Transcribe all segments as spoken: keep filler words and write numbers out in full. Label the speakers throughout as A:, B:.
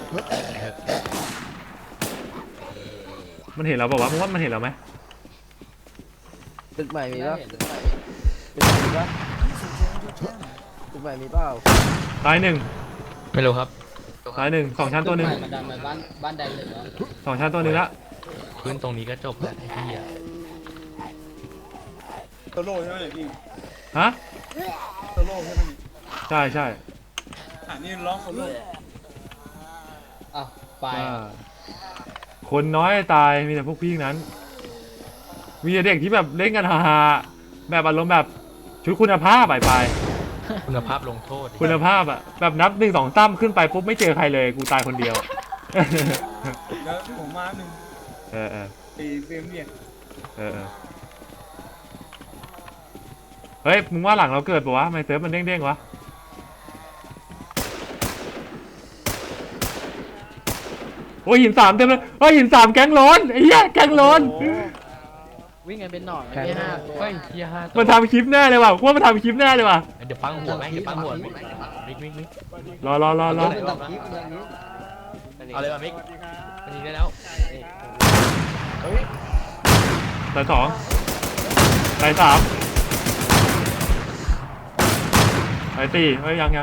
A: มันเห็นเราบอกว่ามึงว่ามันเห็นเราไหม
B: ตึกใหม่มีปะตึกใหม่มีปะตึกใหม่มีเปล่า
A: ตายหนึ่ง
C: ไม่รู้ครับ
A: ตายหนึ่งสองชั้นตัวหนึ่ง
D: มันดันมาบ้านบ้านแดงเลยแล้ว
A: สองชั้นตัวหนึ่งละ
C: พื้นตรงนี้ก็จบแล้วไอ้พี่อะ
E: โซโล่ใช่ไหมเนี่ยพี่
A: ฮะ
E: โซโล่ใช่ไหม
A: ใช่ใช่
E: อ่านี่ร้องโซโล่
D: อ้าวไป
A: คนน้อยตายมีแต่พวกพี่นั้นมีแต่เด็กที่แบบเล่นกันฮาๆแบบอารมณ์แบบชุดคุณภาพไปไป
C: คุณภาพลงโทษ
A: คุณภาพอะแบบนับหนึ่งสองตั้มขึ้นไปปุ๊บไม่เจอใครเลยกูตายคนเดียว
E: แล้วผมมาหนึ่ง
A: เออเออ
E: ตีเฟรมเนี่ย
A: เออเออเฮ้ยมึงว่าหลังเราเกิดปะวะทำไมเซิร์ฟมันเด้งๆวะโอ้ยหินสามเต็มเลยโอ้ยหินสามแก๊งร้อนไอ้เหี้ยแก๊งร้อน
D: วิ่งกันเป็นหนอน
C: แค่ห้าเฮ้ยเฮียห้า
A: มันทำคลิปแน่เลยว่ะว่ามันทำคลิปแน่เลยว่ะ
C: เดี๋ยวปังหัวแม่งเดี๋ยวปังหัวมิกมิกมิกมิก
A: รอรอรอรอ
C: เอาเลยป่ะมิกมันยิงได้แล้ว
A: สายสองสายสามสายสี่เฮ้ยยังยัง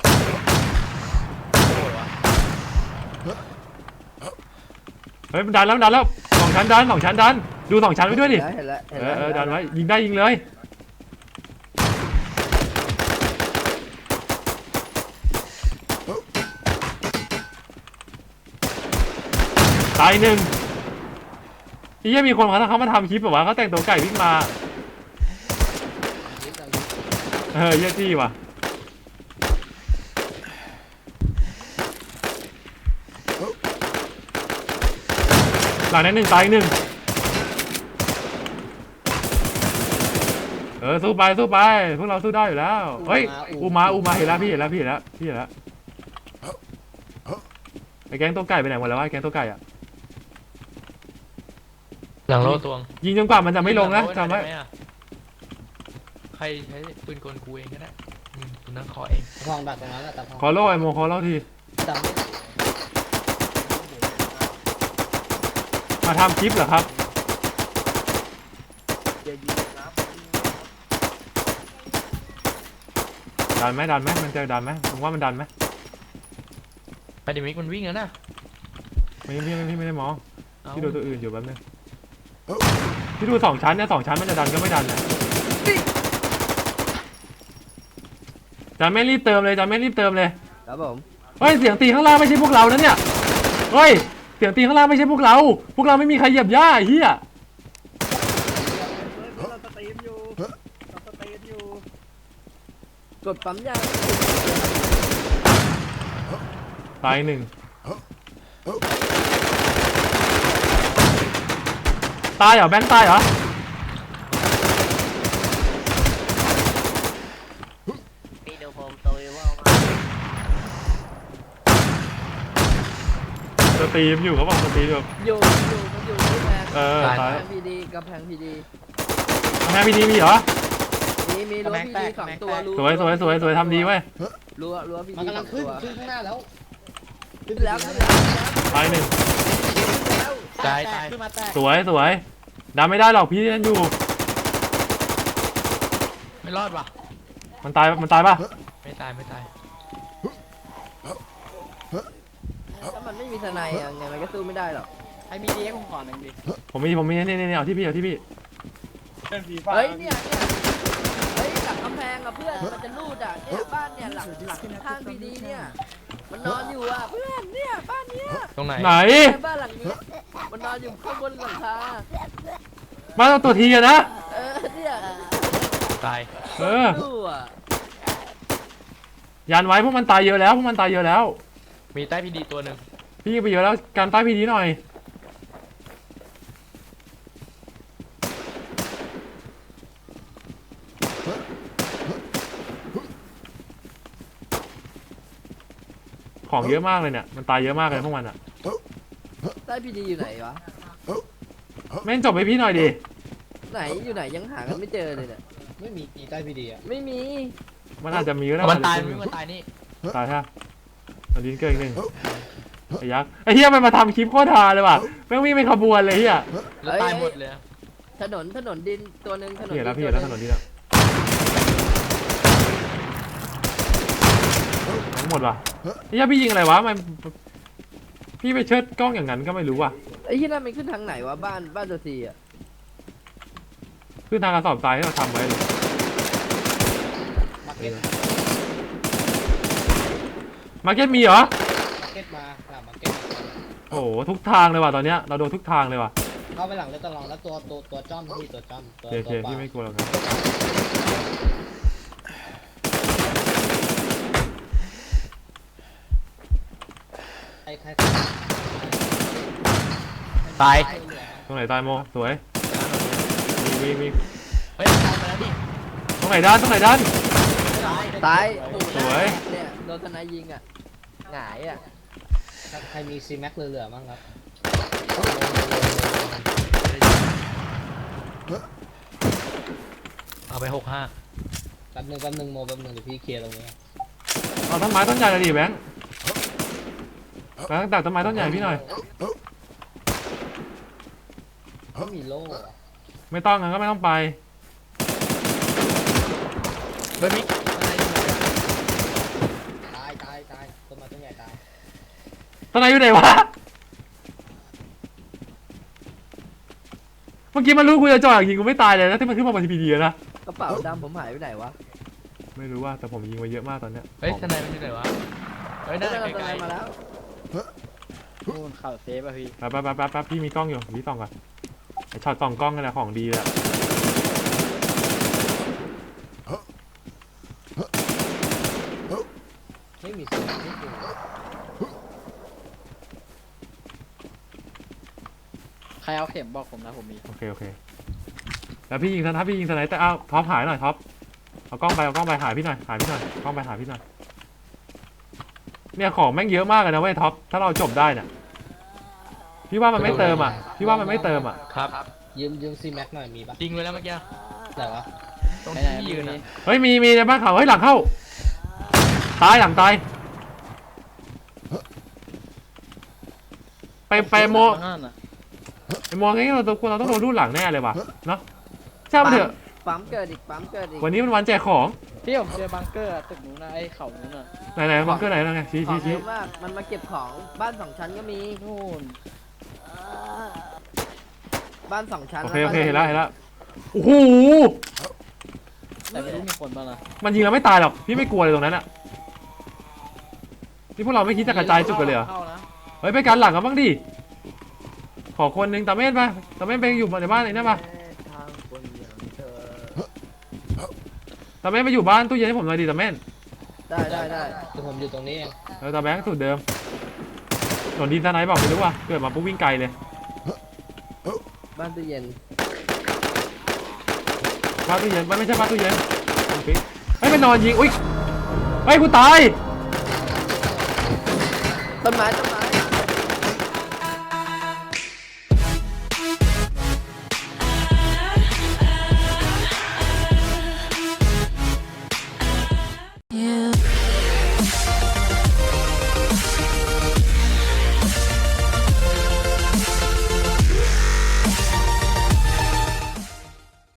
A: เฮ้ยมันดันแล้วดันแล้วสองชั้นดันสองชั้นดันดูสองชั้นไว้ด้วยดิเออเออดันไว้ยิงได้ยิงเลยตายหนึ่งที่ยังมีคนเขาเขามาทำคลิปแบบว่าเขาแต่งตัวไก่วิ่งมาเออเยอะจี้ว่ะหลังนั้นหนึ่งตายหนึ่งเออสู้ไปสู้ไปพวกเราสู้ได้อยู่แล้วเฮ้ยอูมาอูมาเห็นแล้วพี่เห็นแล้วพี่เห็นแล้วพี่เห็นแล้วไอ้แก๊งตัวไก่ไปไหนหมดแล้ววะแก๊งตัวไก่อะ
C: หลังโล่ตวง
A: ยิงจนกว่ามันจะไม่ลงนะจำไว้
C: ใครใช้ปืนกลกูเองก็ได้คุณนั่งขอเอง
D: ทองดักตรงนั้นแหละแต่
A: ขอโล่ไอโมขอโล่ทีมาทำคลิปเหรอครับดันไหมดันไหมมันจะดันไหมผมว่ามันดันไหม
C: ไปดิมิกมันวิ่งแล้วนะ
A: ไม่พี่พี่ไม่ได้มองพี่ดูตัวอื่นอยู่แป๊บนึงพี่ดูสองชั้นเนี่ยสองชั้นมันจะดันก็ไม่ดันนะจะไม่รีบเติมเลยจะไม่รีบเติมเลย
B: ครับผม
A: เฮ้ยเสียงตีข้างล่างไม่ใช่พวกเรานะเนี่ยเฮ้ยเสียงตีข้างล่างไม่ใช่พวกเราพวกเราไม่มีใครเหยียบหญ้าเฮีย
B: กดปั๊มยา
A: ตายหนึ่งตายเหรอแบงค์ตายเหรอ
B: พี่ดูผมตัวว่า
A: สตรีมอยู่เขาบอกสตรีมอยู่
B: อยู่อยู่มันอยู่ที่แพง
A: เออตาย
B: พีดีกับแพงพีดี
A: แพงพีดีมีเหรอ
B: มีมีรั้วพีดีสองตัว
A: สวยสวยสวยสวยทำดีเว้ย
B: รั้วรั้วพีดี
D: มันกำลังขึ้นขึ้นข้างหน้าแล้ว
B: ขึ้นแล้วขึ้นแล้ว
A: ตายหนึ่ง
C: ตายตาย
A: สวยสวยดันไม่ได้หรอกพี่นั่นอยู่
C: ไม่รอดว่ะ
A: มันตายมันตายป่ะ
C: ไม่ตายไม่ตาย
B: ถ้ามันไม่มีทนายยังไงมันก็สู้ไม่ได้หรอก
D: ไอ้มีดีให้ผมขอหนึ่งดิ
A: ผมมีผมมีนี่นี่นี่เอาที่พี่เอาที่พี่
B: เฮ้ยเนี่ยเนี่ยเฮ้ยหลังกำแพงอะเพื่อนมันจะรูดอะเนี่ยบ้านเนี่ยหลังหลังข้างพีดีเนี่ยมันนอนอยู่อะเพื่อนเนี่ยบ้านเนี้ย
C: ตรงไหน
A: ไหน
B: บ้านหลังนี้มันนอนอยู่ข้างบนหลังคา
A: บ้านตัวทีอะนะ
B: เออเนี่ย
C: ตาย
A: เออยันไว้พวกมันตายเยอะแล้วพวกมันตายเยอะแล้ว
C: มีใต้พีดีตัวหนึ่ง
A: พี่ไปเยอะแล้วการใต้พีดีหน่อยของเยอะมากเลยเนี่ยมันตายเยอะมากเลยพวกมันอ่ะ
B: ใต้พีดีอยู่ไหนวะ
A: แม่งจบไปพี่หน่อยดิ
B: ไหนอยู่ไหนยังหากันไม่เจอเลยเนี่ย
D: ไม่มีตีใต้พีดีอ่ะ
B: ไม่มี
A: มันอาจจะมีก็ได้
C: มันตายมันตายนี่
A: ตายฮะมันดิ้นเกินอีกหนึ่งไอ้ยักษ์ไอ้เหี้ยมันมาทำคลิปโคตรฮาเลยว่ะแม่งวิ่งเป็นขบวนเลยเหี้ย
C: แล้วตายหมดเลยอะ
B: ถนนถนนดินตัวหนึ่งถนน
A: พี่เห็นแล้ว
B: ดิ
A: พี่
B: น
A: เห็นแล้วถนนนี้แล้วทั้งหมดว่ะไอ้เหี้ยพี่ยิงอะไรวะมันพี่ไปเชิดกล้องอย่างนั้นก็ไม่รู้ว่ะ
B: ไอ้ที่นั่นมันขึ้นทางไหนวะบ้านบ้านตัวซีอ่ะ
A: ขึ้นทางกระสอบทรายที่เราทำไว้เลย
D: มาร์เก็ต
A: มาร์เก็ตมีเหรอ
D: มาร์เก็ตมาหลังมาร์เก็ต
A: โอ้โหทุกทางเลยว่ะตอนเนี้ยเราโดนทุกทางเลยว่ะ
D: เข้าไปหลังเลยตลอดแล้วตัวตัวตัวจ้อมพี่ตัวจ้อมตัว
A: โอเค
D: ตัว
A: พี่ไม่กลัวหรอกครับ
D: ใครใคร
C: ตาย
A: ตรงไหนตายโมสวยมีมีมี
C: เฮ้ยตายไปแล้วดิ
A: ตรงไหนด้านตรงไหนด้าน
B: ตายโอ้โห
A: สวย
B: เนี่ยโดนทนายยิงอ่ะหงายอ่ะ
D: ใครมีซีแม็กเหลือๆบ้างครับ
C: เอาไปหกห้า
D: แป๊บนึงแป๊บนึงโมแป๊บนึงเดี๋ยวพี่เคลียร์ตรงนี้
A: เอาต้นไม้ต้นใหญ่เลยดิแบงค์แบงค์ตัดต้นไม้ต้นใหญ่พี่หน่อย
D: ไม่มีโล่อะ
A: ไม่ต้องงั้นก็ไม่ต้องไป
C: เฮ้ยมิกอะไรอยู่เนี่ย
D: ตายตายตายต้นไม้ต้นใหญ่ตาย
A: ต้นไหนอยู่ไหนวะเมื่อกี้มันรู้กูจะจ่อยิงกูไม่ตายเลยนะที่มันขึ้นมาบนทีพีดีนะ
B: กระเป๋าดำผมหายไปไหนวะ
A: ไม่รู้ว่าแต่ผมยิงไปเยอะมากตอนเนี้ย
C: เฮ้ยทนายมันอยู่ไหนวะเฮ้ย
B: ได้
C: นั่น
B: ท
C: ไกล
B: นายมาแล้ว
E: นู่นข่าวเซฟอะพี่
A: แป๊บแป๊บแป๊บแป๊บแป๊บพี่มีกล้องอยู่พี่ส่องก่อนไอช็อตส่องกล้องกันแหละของดีเลยอะ
D: ไม่มีซีแม็กไม่มี
E: ใครเอาเข็มบอกผมนะผมมี
A: โอเคโอเคแล้วพี่ยิงถ้าพี่ยิงสไนเปอร์เอ้าท็อปหายหน่อยท็อปเอากล้องไปเอากล้องไปหายพี่หน่อยหายพี่หน่อยกล้องไปหายพี่หน่อยเนี่ยของแม่งเยอะมากเลยนะเว้ยท็อปถ้าเราจบได้เนี่ยพี่ว่ามันไม่เติมอ่ะพี่ว่ามันไม่เติมอ่ะ
C: ครับ
D: ยืมยืมซีแม็กหน่อยมีปะ
C: จริงเลยแล้วเมื่อกี้
D: แต่วะ
C: ตรงที่ยืนอะ
A: เฮ้ยมีมีในบ้านเขาเฮ้ยหลังเข้าตายหลังตายไปไปโมไอโมงี้เราต้องเราต้องโดนรูดหลังแน่เลยว่ะเนาะใช่ไหมนเถอะ
B: ปั๊มเกิดอีกปั๊มเกิดอีก
A: วันนี้มันวันแจกของ
E: พี่ผมเจอบังเกอร์อะตึกนู้นนะไอ้เขานู้นน่ะ
A: ไหนไหนบังเกอร์ไหนแล้วไงชี้
B: ของ
A: ชี้
B: เย
A: ชี้
B: อะมากมันมาเก็บของบ้านสองชั้นก็มี
E: นู่น
B: บ้านสองชั้น
A: โอเคโอเคเห็นแล้วเห็นแล้วโอ้โห
E: แต่ไม่รู้มีคนบ้างนะ
A: มันยิงเราไม่ตายหรอกพี่ไม่กลัวเลยตรงนั้นอะนี่พวกเราไม่คิดจะกระจายจุดกันเลยเหรอ
E: เข้านะ
A: เฮ้ยไปกันหลังกันบ้างดิขอคนหนึ่งตาเม่นไปตาเม่นไปอยู่ในบ้านไอ้นั่นปะ
B: ทางคนอย่างเธอ
A: ตาเม่นไปอยู่บ้านตู้เย็นให้ผมหน่อยดิตาเม่น
B: ได้ได้ได้
D: คือผมอยู่ตรงนี้เอง
A: เออตาแบงค์สูตรเดิมหนนดินทนายบอกไม่รู้ว่ะเกิดมาปุ๊บวิ่งไกลเลย
B: บ้านตู้เย็น
A: บ้านตู้เย็นมันไม่ใช่บ้านตู้เย็นปิ๊กเฮ้ยมันนอนยิงอุ้ยเฮ้ยกูตาย
B: ต้นไม้ต้นไม้